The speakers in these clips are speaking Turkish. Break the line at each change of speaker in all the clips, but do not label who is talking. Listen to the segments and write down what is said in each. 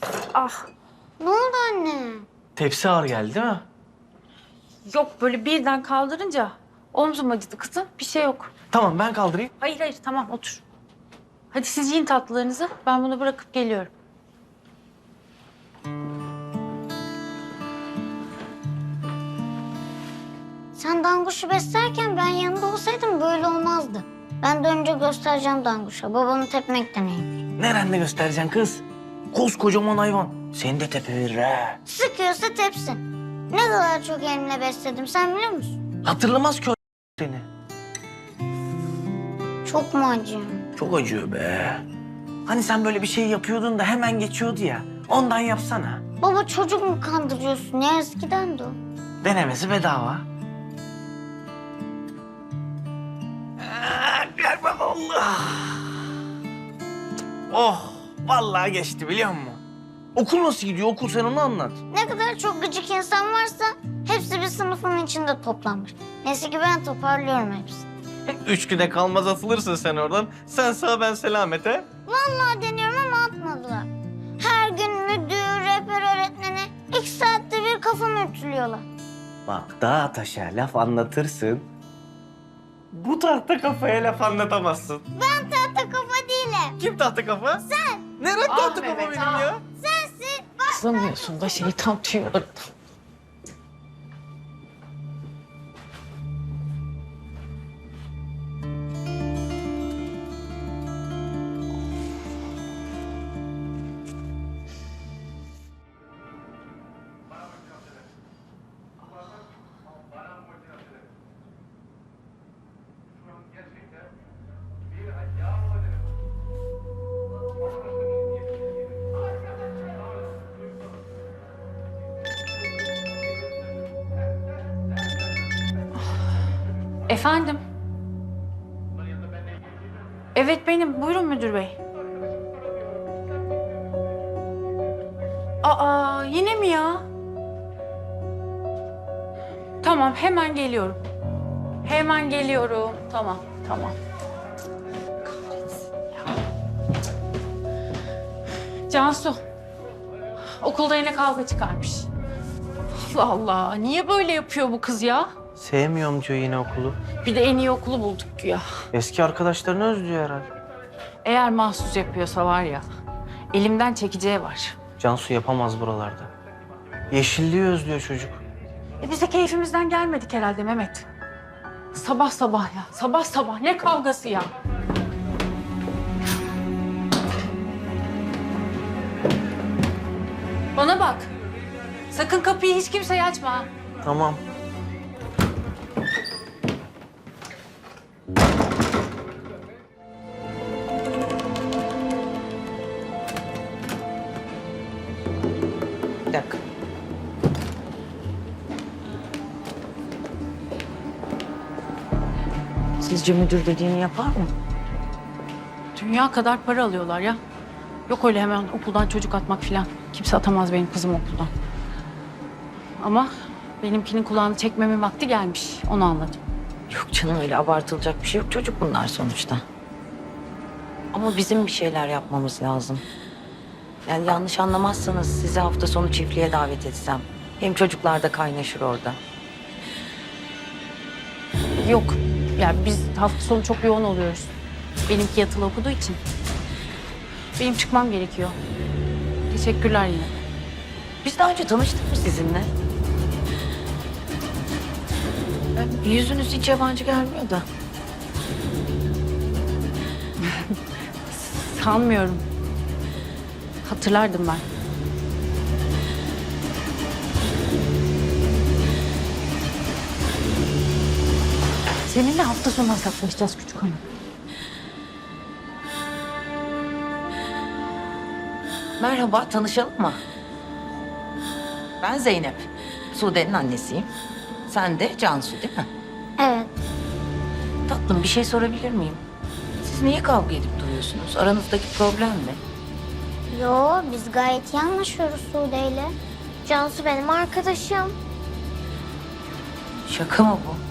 Ah,
Ne oldu anne?
Tepsi ağır geldi değil mi?
yok böyle birden kaldırınca omzum acıdı kızım. Bir şey yok.
Tamam ben kaldırayım.
Hayır hayır tamam otur. Hadi siz yiyin tatlılarınızı. Ben bunu bırakıp geliyorum.
Sen Danguş'u beslerken ben yanında olsaydım böyle olmazdı. Ben de önce göstereceğim Danguş'a. Babamı tepmekten neymiş.
Nerede göstereceksin kız? Koskocaman hayvan. Seni de tepeverir ha.
Sıkıyorsa tepsin. Ne kadar çok elimle besledim sen biliyor musun?
Hatırlamaz ki o seni.
Çok mu acıyor?
Çok acıyor be. Hani sen böyle bir şey yapıyordun da hemen geçiyordu ya. Ondan yapsana.
Baba çocuk mu kandırıyorsun ya eskiden de o.
Denemesi bedava. Gel bak Allah. Oh, vallahi geçti biliyor musun? Okul nasıl gidiyor? Okul sen onu anlat.
Ne kadar çok gıcık insan varsa hepsi bir sınıfın içinde toplanmış. Neyse ki ben toparlıyorum hepsini.
3 güne kalmaz atılırsın sen oradan. Sen sağ ben selamete.
Vallahi deniyorum ama atmadılar. Her gün müdür, rehber öğretmeni 2 saatte bir kafamı ütülüyorlar.
Bak dağa taşa laf anlatırsın. Bu tahta kafaya laf anlatamazsın.
Ben tahta kafa değilim.
Kim tahta kafa? Sen. Nerede tahta kafa
Mehmet,
benim ya?
Sensin.
Kızamıyorsun da şeytan tüyü orada. Efendim? Evet benim. Buyurun müdür bey. Aa yine mi ya? Tamam hemen geliyorum. Hemen geliyorum. Tamam tamam. Kahretsin ya. Cansu. Okulda yine kavga çıkarmış. Allah Allah. Niye böyle yapıyor bu kız ya?
Sevmiyorum diyor yine okulu.
Bir de en iyi okulu bulduk ya.
Eski arkadaşlarını özlüyor herhalde.
Eğer mahsus yapıyorsa var ya, elimden çekeceği var.
Cansu yapamaz buralarda. Yeşilliği özlüyor çocuk.
Biz de keyfimizden gelmedik herhalde Mehmet. Sabah sabah ya, sabah sabah ne kavgası ya? Bana bak, sakın kapıyı hiç kimseye açma. Ha.
Tamam.
Bir dakika.
Sizce müdür dediğini yapar mı?
Dünya kadar para alıyorlar ya. Yok öyle hemen okuldan çocuk atmak falan. Kimse atamaz benim kızım okuldan. Ama benimkinin kulağını çekmemin vakti gelmiş. Onu anladım.
Yok canım öyle abartılacak bir şey yok. Çocuk bunlar sonuçta. Ama bizim bir şeyler yapmamız lazım. Yani yanlış anlamazsanız sizi hafta sonu çiftliğe davet etsem. Hem çocuklar da kaynaşır orada.
Yok. Yani biz hafta sonu çok yoğun oluyoruz. Benimki yatılı okuduğu için. Benim çıkmam gerekiyor. Teşekkürler yine.
Biz daha önce tanıştık mı sizinle? Yüzünüz hiç yabancı gelmiyor da.
Sanmıyorum. Hatırlardım ben. Seninle hafta sonu hesaplaşacağız küçük hanım.
Merhaba, tanışalım mı? Ben Zeynep. Sude'nin annesiyim. Sen de Cansu değil mi?
Evet.
Tatlım bir şey sorabilir miyim? Siz niye kavga edip duruyorsunuz? Aranızdaki problem ne?
Yo biz gayet iyi anlaşıyoruz Sude'yle. Cansu benim arkadaşım.
Şaka mı bu?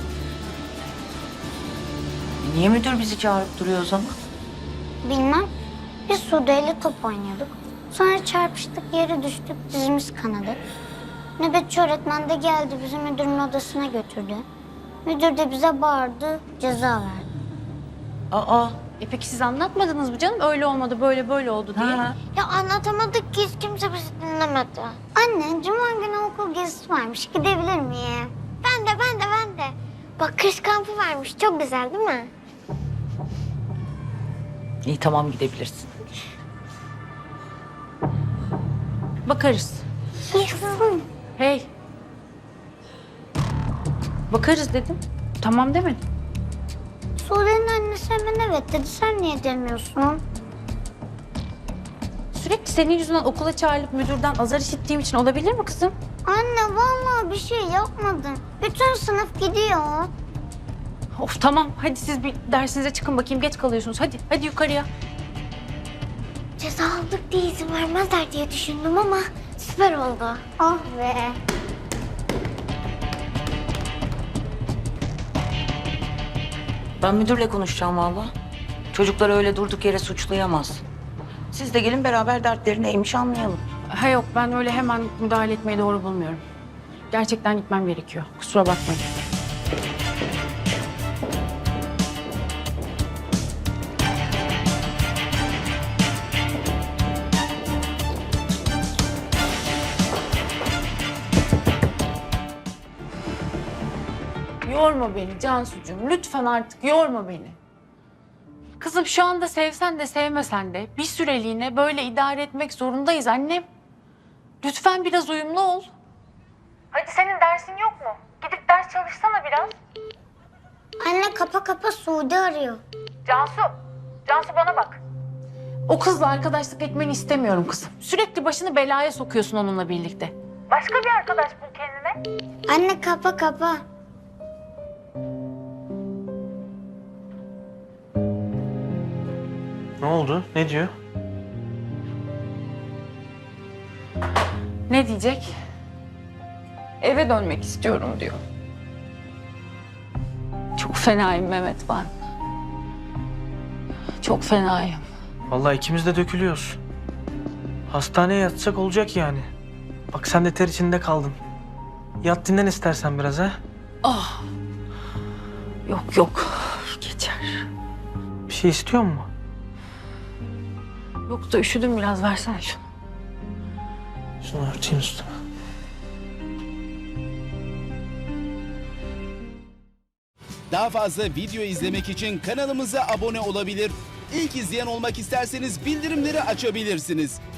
Niye müdür bizi çağırıp duruyor o zaman?
Bilmem. Biz Sude'yle top oynuyorduk. Sonra çarpıştık, yere düştük, dizimiz kanadı. Nöbetçi öğretmen de geldi, bizi müdürün odasına götürdü. Müdür de bize bağırdı, ceza verdi.
Aa.
Peki siz anlatmadınız mı canım? Öyle olmadı, böyle oldu diye.
Ha.
Ya anlatamadık ki, hiç kimse bizi dinlemedi. Anne, cuma günü okul gezisi varmış, gidebilir miyim? Ben de. Bak, kış kampı varmış, çok güzel değil mi?
İyi tamam gidebilirsin.
Bakarız.
Yaşasın.
Hey. Bakarız dedim. Tamam demedim.
Sude'nin annesi hemen evet dedi, sen niye demiyorsun?
Sürekli senin yüzünden okula çağrılıp müdürden azar işittiğim için olabilir mi kızım?
Anne, vallahi bir şey yapmadım. Bütün sınıf gidiyor.
Of tamam. Hadi siz bir dersinize çıkın bakayım. Geç kalıyorsunuz. Hadi yukarıya.
Ceza aldık diye izin vermezler diye düşündüm ama süper oldu. Ah be.
Ben müdürle konuşacağım valla. Çocukları öyle durduk yere suçlayamaz. Siz de gelin beraber dertleri neymiş anlayalım.
Ha yok, ben öyle hemen müdahale etmeyi doğru bulmuyorum. Gerçekten gitmem gerekiyor. Kusura bakmayın. Yorma beni Cansucuğum. Lütfen artık yorma beni. Kızım şu anda sevsen de sevmesen de bir süreliğine böyle idare etmek zorundayız annem. Lütfen biraz uyumlu ol. Hadi senin dersin yok mu? Gidip ders çalışsana biraz.
Anne, kapa Sude arıyor.
Cansu bana bak. O kızla arkadaşlık etmeni istemiyorum kızım. Sürekli başını belaya sokuyorsun onunla birlikte. Başka bir arkadaş bul kendine.
Anne, kapa.
Ne oldu? Ne diyor?
Ne diyecek? Eve dönmek istiyorum diyor. Çok fenayım Mehmet ben. Çok fenayım.
Vallahi ikimiz de dökülüyoruz. Hastaneye yatsak olacak yani. Bak sen de ter içinde kaldın. Yat dinlen istersen biraz ha.
Ah. Yok. Geçer.
Bir şey istiyor mu?
Yok da üşüdüm biraz, versene şunu.
Şunu örteyim üstüne.
Daha fazla video izlemek için kanalımıza abone olabilir. İlk izleyen olmak isterseniz bildirimleri açabilirsiniz.